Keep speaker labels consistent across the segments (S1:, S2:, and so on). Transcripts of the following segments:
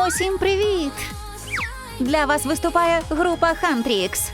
S1: Усім привіт! Для вас виступає група Хантрікс.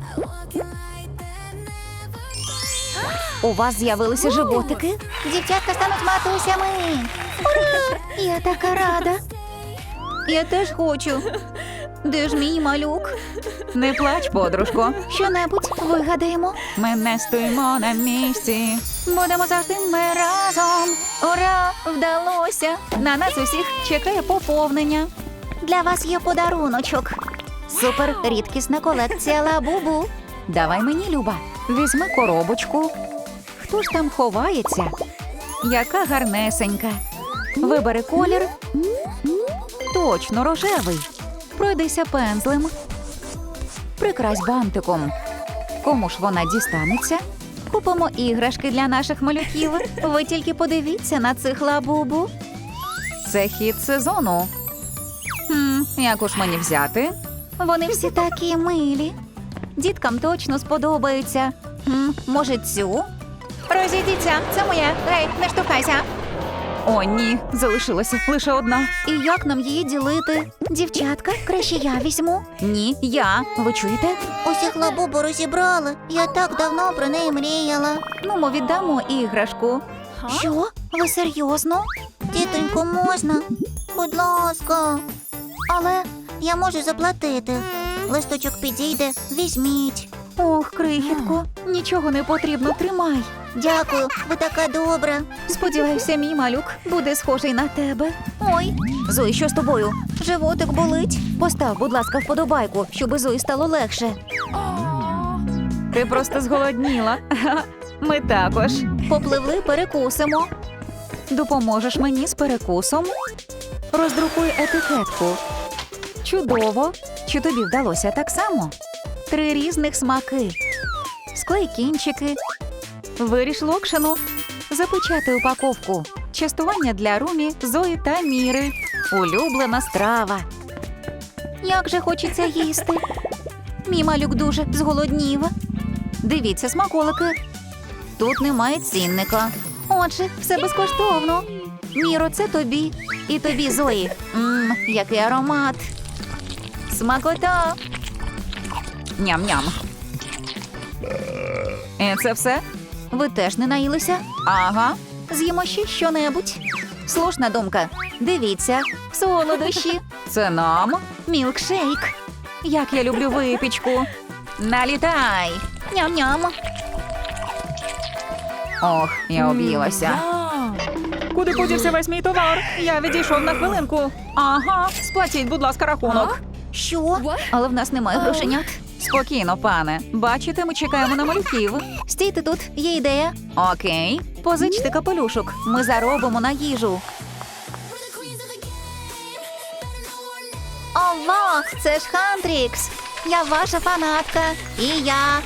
S1: У вас з'явилися животики? Дівчатка стануть матусями. Ура! Я така рада. Я теж хочу. Де ж мій малюк? Не плач, подружко. Що-небудь вигадаємо. Ми не стоїмо на місці. Будемо завжди ми разом. Ура! Вдалося! На нас усіх чекає поповнення. Для вас є подаруночок. Супер рідкісна колекція Лабубу. Давай мені, Люба. Візьми коробочку. Хто ж там ховається? Яка гарнесенька. Вибери колір. Точно, рожевий. Пройдися пензлем. Прикрась бантиком. Кому ж вона дістанеться? Купимо іграшки для наших малюків. Ви тільки подивіться на цих Лабубу. Це хід сезону. Яку ж мені взяти? Вони всі такі милі. Діткам точно сподобаються. Може цю? Розійдіться, це моє. Гей, не штовхайся. О, ні, залишилася лише одна. І як нам її ділити? Дівчатка, краще я візьму. Ні, я. Ви чуєте?
S2: Усіх Лабубу розібрали. Я так давно про неї мріяла.
S1: Ну, ми віддамо іграшку.
S2: Що? Ви серйозно? Тітонько, можна? Будь ласка. Але я можу заплатити. Листочок підійде, візьміть.
S1: Ох, крихітко, нічого не потрібно, тримай.
S2: Дякую, ви така добра.
S1: Сподіваюся, мій малюк буде схожий на тебе. Ой, Зої, що з тобою? Животик болить? Постав, будь ласка, вподобайку, щоб Зої стало легше. Ти просто зголодніла. Ми також. Попливли, перекусимо. Допоможеш мені з перекусом? Роздрукуй етикетку. Чудово. Чи тобі вдалося так само? 3 різних смаки. Склей кінчики. Виріж локшину. Запечатай упаковку. Частування для Румі, Зої та Міри. Улюблена страва. Як же хочеться їсти. Мій малюк дуже зголоднів. Дивіться смаколики. Тут немає цінника. Отже, все безкоштовно. Міро, це тобі. І тобі, Зої. Який аромат. Смакота. Ням-ням. І це все? Ви теж не наїлися? Ага. З'їмо ще що-небудь. Слушна думка. Дивіться. Солодощі. Це нам. Мілкшейк. Як я люблю випічку. Налітай. Ням-ням. Ох, я об'їлася. Куди подівся весь мій товар? Я відійшов на хвилинку. Ага, сплатіть, будь ласка, рахунок.
S2: Що?
S1: Але в нас немає грошенят. Спокійно, пане. Бачите, ми чекаємо на малюків. Стійте тут, є ідея. Окей. Позичте капелюшок. Ми заробимо на їжу. Ова, це ж Хантрікс. Я ваша фанатка. І я.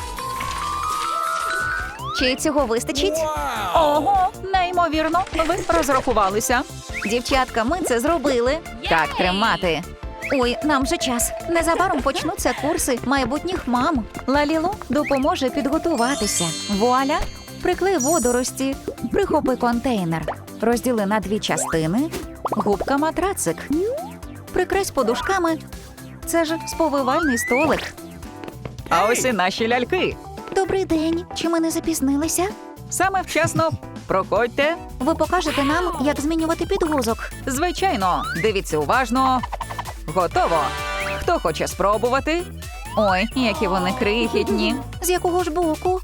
S1: Чи цього вистачить? Ого, неймовірно. Ви розрахувалися. Дівчатка, ми це зробили. Так, тримати. Ой, нам же час. Незабаром почнуться курси майбутніх мам. Лалілу допоможе підготуватися. Вуаля! Приклей водорості. Прихопи контейнер. Розділи на 2 частини. Губка матрацик. Прикрась подушками. Це ж сповивальний столик. А ось і наші ляльки.
S2: Добрий день. Чи ми не запізнилися?
S1: Саме вчасно. Проходьте. Ви покажете нам, як змінювати підгузок. Звичайно. Дивіться уважно. Готово. Хто хоче спробувати? Ой, які вони крихітні. З якого ж боку?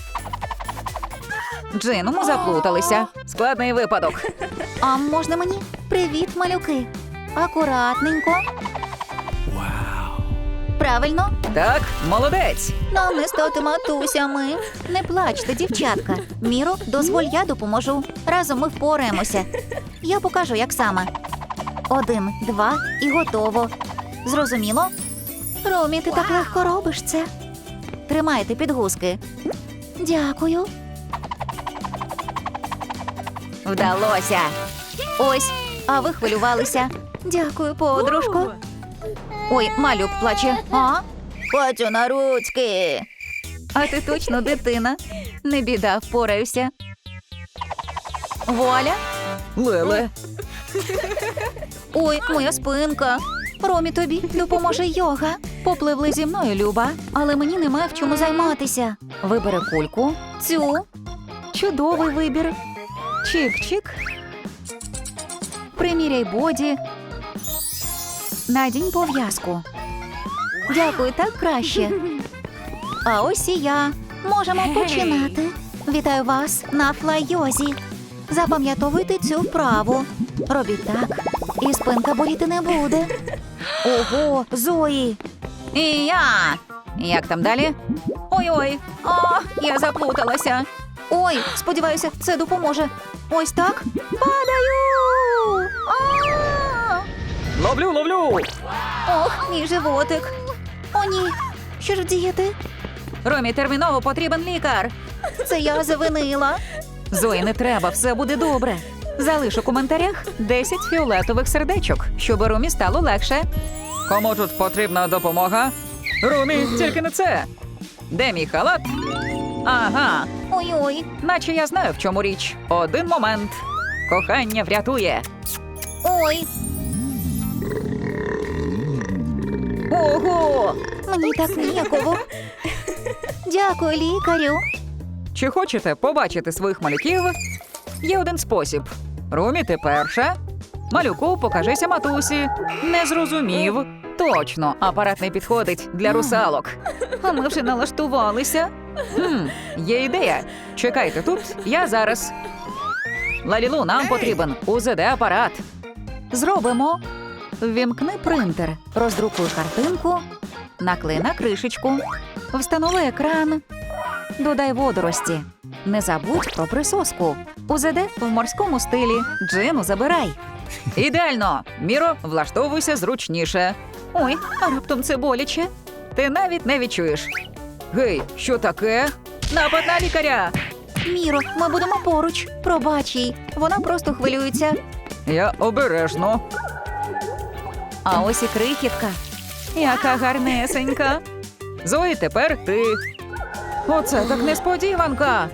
S1: Джину, ми заплуталися. Складний випадок. А можна мені? Привіт, малюки. Акуратненько. Вау. Правильно? Так, молодець. Нам не стати матусями. Не плачте, дівчатка. Міро, дозволь, я допоможу. Разом ми впораємося. Я покажу, як саме. 1, 2 і готово. Зрозуміло? Румі, ти так легко робиш це. Тримайте підгузки. Дякую. Вдалося. Ось, а ви хвилювалися. Дякую, подружко. Ой, малюк плаче. А? Хочу на ручки. А ти точно дитина. Не біда, впораюся. Вуаля. Леле. Ой, моя спинка. Ромі, тобі допоможе йога. Попливли зі мною, Люба, але мені немає в чому займатися. Вибери кульку. Цю. Чудовий вибір. Чик-чик. Приміряй боді. Надінь пов'язку. Дякую, так краще. А ось і я. Можемо починати. Вітаю вас на флай-йозі. Запам'ятовуйте цю вправу. Робіть так, і спинка боліти не буде. Ого, Зої! І я! Як там далі? Ой-ой, я заплуталася. Ой, сподіваюся, це допоможе. Ось так. Падаю!
S3: Ловлю!
S1: Ох, мій животик. О, ні. Що ж діяти? Ромі, терміново потрібен лікар. Це я завинила. Зої, не треба, все буде добре. Залиш у коментарях 10 фіолетових сердечок, щоб Ромі стало легше.
S3: Кому тут потрібна допомога? Румі, тільки не це. Де мій халат? Ага,
S1: Ой-ой.
S3: наче я знаю, в чому річ. Один момент. Кохання врятує.
S1: Ой. Ого! Мені так ніяково. Дякую, лікарю.
S3: Чи хочете побачити своїх малюків? Є один спосіб. Румі, ти перша. Малюку, покажися матусі. Не зрозумів. Точно, апарат не підходить для русалок.
S1: А ми вже налаштувалися.
S3: Є ідея. Чекайте тут, я зараз. Лалілу, нам потрібен УЗД-апарат.
S1: Зробимо. Ввімкни принтер, роздрукуй картинку, наклей на кришечку, встанови екран, додай водорості. Не забудь про присоску. УЗД в морському стилі. Джину забирай.
S3: Ідеально. Міро, влаштовуйся зручніше.
S1: Ой, а раптом це боляче.
S3: Ти навіть не відчуєш. Гей, що таке? Напад на лікаря!
S1: Міро, ми будемо поруч. Пробач їй. Вона просто хвилюється.
S3: Я обережно.
S1: А ось і крихітка. Яка гарнесенька.
S3: Зої, тепер ти. Оце так несподіванка.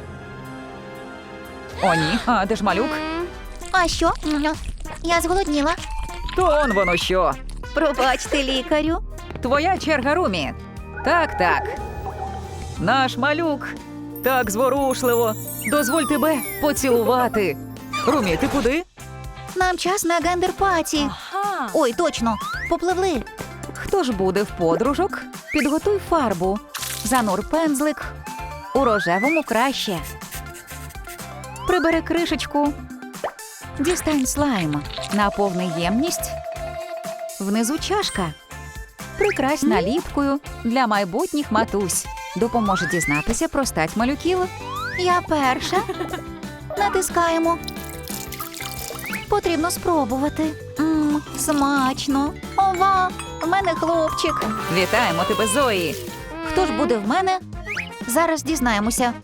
S3: О, ні, а де ж малюк?
S2: А що? Я зголодніла.
S3: То он воно що.
S1: Пробачте, лікарю.
S3: Твоя черга, Румі. Так. Наш малюк. Так зворушливо. Дозволь тебе поцілувати. Румі, ти куди?
S1: Нам час на гендер-паті. Ой, точно, попливли. Хто ж буде в подружок? Підготуй фарбу. Занур пензлик. У рожевому краще. Прибери кришечку. Дістань слайм. Наповни ємність. Внизу чашка. Прикрась наліпкою для майбутніх матусь. Допоможе дізнатися про стать малюків. Я перша. Натискаємо. Потрібно спробувати. Смачно. Ова, в мене хлопчик.
S3: Вітаємо тебе, Зої.
S1: Хто ж буде в мене? Зараз дізнаємося.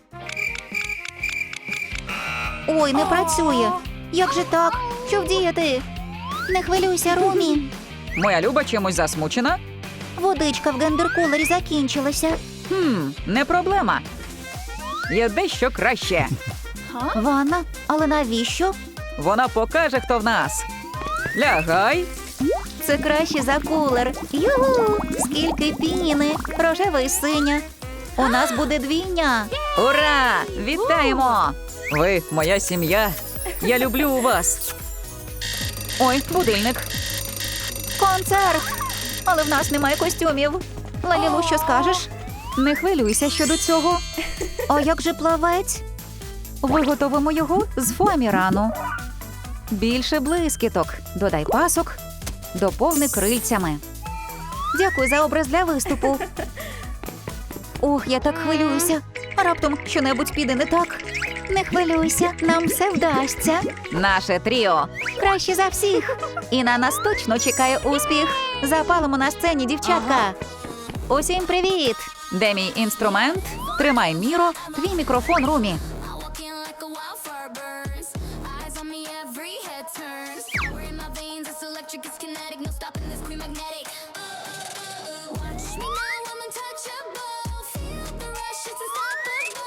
S1: Ой, не працює. Як же так? Що вдіяти? Не хвилюйся, Румі.
S3: Моя Люба чимось засмучена?
S1: Водичка в гендер-кулері закінчилася.
S3: Не проблема. Є дещо краще.
S1: Ванна? Але навіщо?
S3: Вона покаже, хто в нас. Лягай.
S1: Це краще за кулер. Югу! Скільки піни, рожева і синя. У нас буде двійня.
S3: Ура! Вітаємо! Ви моя сім'я. Я люблю вас.
S1: Ой, будильник. Концерт! Але в нас немає костюмів. Лалілу, що скажеш? Не хвилюйся щодо цього. А як же плавець? Виготовимо його з фоамірану. Більше блискіток. Додай пасок. Доповни крильцями. Дякую за образ для виступу. Ох, я так хвилююся. А раптом щонебудь піде не так. Не хвилюйся, нам все вдасться.
S3: Наше тріо.
S1: Краще за всіх. І на нас точно чекає успіх. Запалимо на сцені, дівчатка. Усім привіт!
S3: Де мій інструмент? Тримай, Міро, твій мікрофон, Румі.
S4: Walking like a wildfire burns. Eyes on me, every head turns. Power in my veins, it's electric, it's kinetic. No stopping this queen magnetic. Watch me now, I'm untouchable. Feel the rush, it's unstoppable.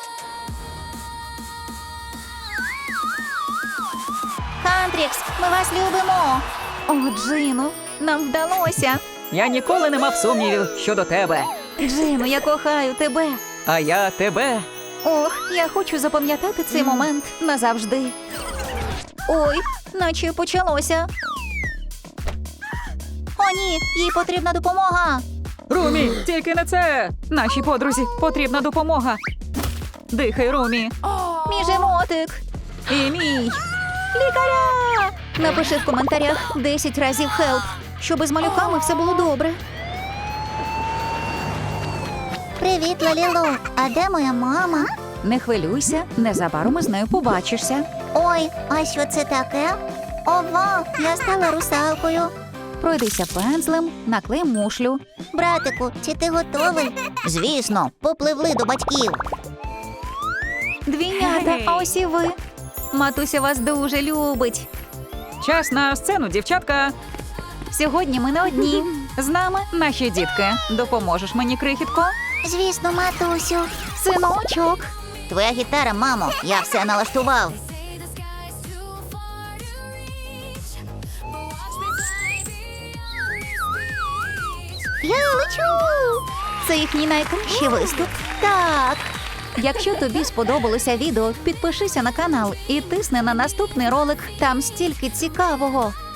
S2: Хантрікс, ми вас любимо.
S1: О, Джину, нам вдалося.
S3: Я ніколи не мав сумнівів щодо тебе.
S1: Джину, я кохаю тебе.
S3: А я тебе.
S1: Ох, я хочу запам'ятати цей момент назавжди. Ой, наче почалося. О, ні, їй потрібна допомога.
S3: Румі, тільки не це! Нашій подрузі потрібна допомога. Дихай, Румі.
S1: Мій животик.
S3: І мій.
S1: Лікаря! Напиши в коментарях 10 разів «хелп», щоб із малюками все було добре.
S2: Привіт, Лалілу. А де моя мама?
S1: Не хвилюйся, незабаром із нею побачишся.
S2: Ой, а що це таке? Ова, я стала русалкою.
S1: Пройдися пензлем, наклей мушлю.
S2: Братику, чи ти готовий? Звісно, попливли до батьків.
S1: Двійнята, а ось і ви. Матуся вас дуже любить.
S3: Час на сцену, дівчатка.
S1: Сьогодні ми не одні. З нами наші дітки. Допоможеш мені, крихітко?
S2: Звісно, матусю.
S1: Синочок.
S2: Твоя гітара, мамо, я все налаштував.
S4: Say the sky's too far to reach, but watch me fly beyond this beach.
S1: Я лечу. Це їхній найкращий виступ. Так. Якщо тобі сподобалося відео, підпишися на канал і тисни на наступний ролик. Там стільки цікавого.